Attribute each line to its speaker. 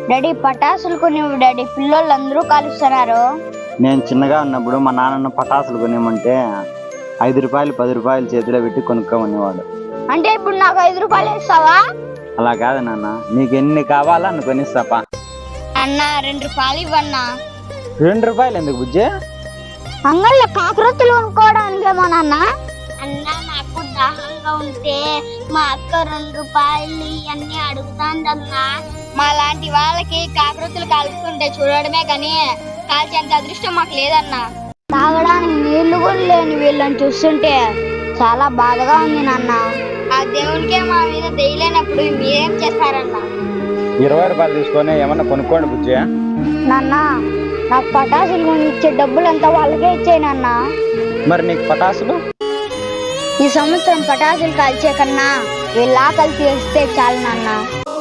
Speaker 1: Daddy పటాసులు కొనివ్వు daddy, పిల్లోళ్ళు అందరూ కాలుస్తున్నారు.
Speaker 2: నేను చిన్నగా ఉన్నప్పుడు మా నాన్న పటాసులు కొనివ్వమంటే 5 రూపాయలు 10 రూపాయలు చేతిలో పెట్టి కొనుక్కోమనేవాడు.
Speaker 1: అంటే ఇప్పుడు నాకు 5 రూపాయలు ఇస్తావా?
Speaker 2: అలా కాదు నాన్న, నీకు ఎన్ని కావాలా అని కొనిస్తాపా.
Speaker 1: అన్న 2 రూపాయలు ఇవ్వన్నా.
Speaker 2: 2 రూపాయలు ఎందుకు బుజ్జి?
Speaker 1: అంగళ్ళ కాకరొత్తులు కొనుక్కోవడానికేమో నాన్న. అన్న నాకు దాహంగా ఉంటే మా అక్క 2 రూపాయలు ఇవన్నీ అడుగుతాందన్నా. మా లాంటి వాళ్ళకి కాకరొత్తులు కాల్చుకుంటే చూడడమే కానీ కాల్చేంత అదృష్టం మాకు లేదన్నా. తాగడానికి నీళ్లు కూడా లేని వీళ్ళని చూస్తుంటే చాలా బాధగా ఉంది నాన్న. ఆ దేవునికే మా మీద దయలేనప్పుడు మీరేం చేస్తారన్నా?
Speaker 2: 20 రూపాయలు తీసుకొని ఏమన్నా కొనుక్కోండి బుజ్జి.
Speaker 1: నాన్న నాకు పటాసులు కొని ఇచ్చే డబ్బులంతా వాళ్ళకే ఇచ్చేయి నాన్న.
Speaker 2: మరి నీకు పటాసులు?
Speaker 1: ఈ సంవత్సరం పటాసులు కాల్చే కన్నా వీళ్ళ ఆకలి తీస్తే చాలు నాన్న.